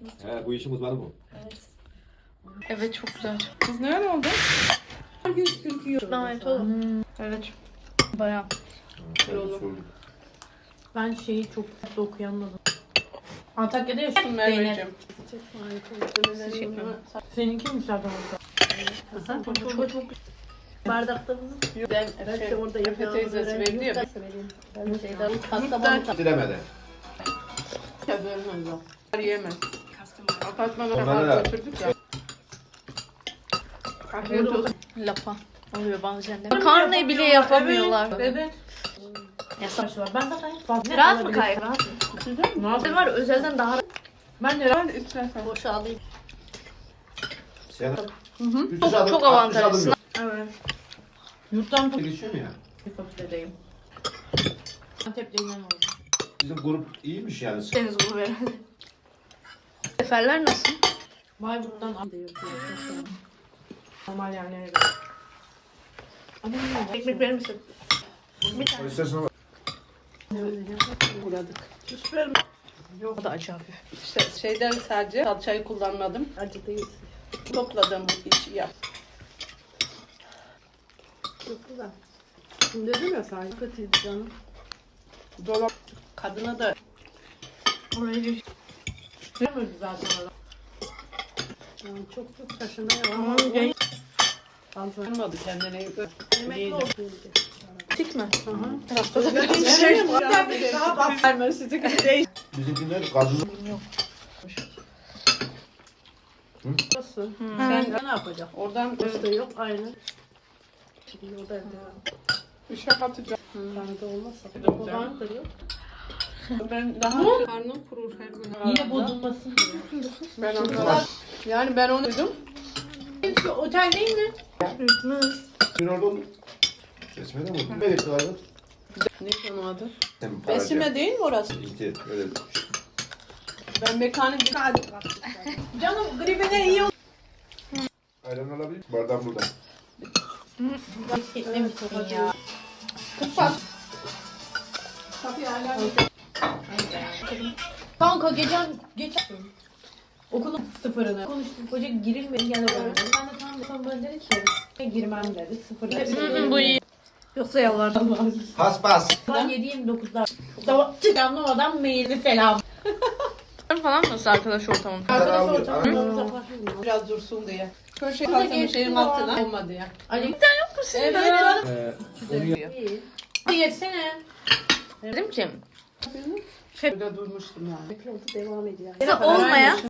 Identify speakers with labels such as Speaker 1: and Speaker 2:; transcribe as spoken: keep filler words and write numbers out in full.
Speaker 1: He, bu işin uzmanı bu.
Speaker 2: Evet.
Speaker 3: Evet çok güzel.
Speaker 4: Kız ne oldu?
Speaker 2: yüz kırk euro.
Speaker 3: Gayet olur. Evet. Bayağı.
Speaker 1: Olur.
Speaker 2: Ben şeyi çok fazla okuyamadım. Antakya'da yaşıyorum.
Speaker 4: Merveciğim.
Speaker 2: Seninki mi zaten orada?
Speaker 3: Çok çok çok
Speaker 2: Bardakta mı?
Speaker 4: Ben
Speaker 2: Ben
Speaker 4: şey,
Speaker 2: de orada
Speaker 4: Efe
Speaker 2: yapıyorum.
Speaker 4: teyzesi verdi ya.
Speaker 2: Ben şeyden pasta
Speaker 1: Dilemedi.
Speaker 4: Ya vermez o. Yiyemez. Apartmana
Speaker 1: Onlara
Speaker 4: kadar
Speaker 1: da-
Speaker 4: götürdük ya. Afiyet olsun.
Speaker 3: lapa oluyor bazen de. Karneyi bile yapamıyorlar.
Speaker 2: Evet.
Speaker 3: Yasak.
Speaker 2: Var. Ben zaten fazla.
Speaker 3: Rahat mı kayık?
Speaker 2: Rahat.
Speaker 4: Ne
Speaker 3: Ben
Speaker 4: yapayım?
Speaker 3: var özelden daha
Speaker 2: Ben de rahat.
Speaker 4: Ben istersen.
Speaker 3: boşa alayım.
Speaker 1: Sen
Speaker 3: Çok, çok avantajlısın.
Speaker 2: Evet. Yurttan çok
Speaker 1: geçiyor mu ya?
Speaker 2: fakültedeyim. Antep'te inen oldu.
Speaker 1: Bizim grup iyiymiş yani.
Speaker 3: Deniz grubu herhalde. Seferler nasıl?
Speaker 2: Bayburt'tan Antep'e normal yerlere göre. Ama ne?
Speaker 3: Ekmek verir misin?
Speaker 1: İstersen bak.
Speaker 4: Uğradık.
Speaker 3: O da acı hafif.
Speaker 4: İşte şeyden sadece salçayı kullanmadım.
Speaker 2: Acı değil.
Speaker 4: Topladım bu işi yap.
Speaker 2: Çok güzel. Şimdi dedim ya sadece kötüydü canım.
Speaker 4: Dolap. Kadına da
Speaker 3: Orayı bir
Speaker 2: Yemedi zaten orada. Yani çok çok taşınıyor ama
Speaker 3: genç.
Speaker 4: tanımadı kendine.
Speaker 2: yemekli olsun.
Speaker 3: Tik mi?
Speaker 4: Daha bak vermesi de değil.
Speaker 1: Bizimkiler kadın.
Speaker 2: Nasıl?
Speaker 3: Hmm.
Speaker 2: Sen ne yapacaksın?
Speaker 4: Oradan
Speaker 2: Usta yok aynı. Şimdi o da evde.
Speaker 4: bir şey atacağım.
Speaker 2: Bende olmazsa.
Speaker 4: Bir de
Speaker 2: O
Speaker 4: güzel.
Speaker 2: var da yok.
Speaker 4: Ben daha karnım kurur her gün.
Speaker 2: Yine bozulmasın diye.
Speaker 4: Ben onu yani ben onu duydum.
Speaker 2: Şu otel değil mi?
Speaker 3: Bitmez.
Speaker 1: Dün orada oldum. Seçmedi mi? Ne bekliyor abi?
Speaker 4: Ne onun adı?
Speaker 1: Sen para
Speaker 4: Besime değil mi orası?
Speaker 1: İyi, öyle.
Speaker 4: Ben mekanik hadi.
Speaker 2: Canım gribine iyi oldu.
Speaker 1: Ayran alabilir. Bardağım burada.
Speaker 2: Gitmemişsin ya.
Speaker 4: Kıpas. Kapıyı hala.
Speaker 2: Kanka geçen geçen okulun sıfırını konuştum. Hoca girilmedi gene böyle. Ben de tamam dedim. Bana dedi ki girmem dedi. Sıfır.
Speaker 3: Bu iyi. Yoksa yalvardım.
Speaker 1: Pas pas.
Speaker 2: Ben yedi yirmi dokuzda sabah anlamadan mailini selam.
Speaker 3: Falan nasıl arkadaş ortamım?
Speaker 2: Arkadaş
Speaker 1: Hı?
Speaker 2: ortamından uzaklaşmıyorum.
Speaker 4: Biraz dursun diye. Köşe
Speaker 2: Bu da
Speaker 4: kalsın
Speaker 2: geçti
Speaker 4: şeyin
Speaker 2: bu
Speaker 4: altına olmadı ya.
Speaker 2: Ali
Speaker 4: Evet canım.
Speaker 1: Ee, onu yap.
Speaker 2: iyi. Hadi yetsene.
Speaker 3: Dedim ki
Speaker 4: Burada durmuştum yani.
Speaker 2: Yolda devam ediyor.
Speaker 3: olmayan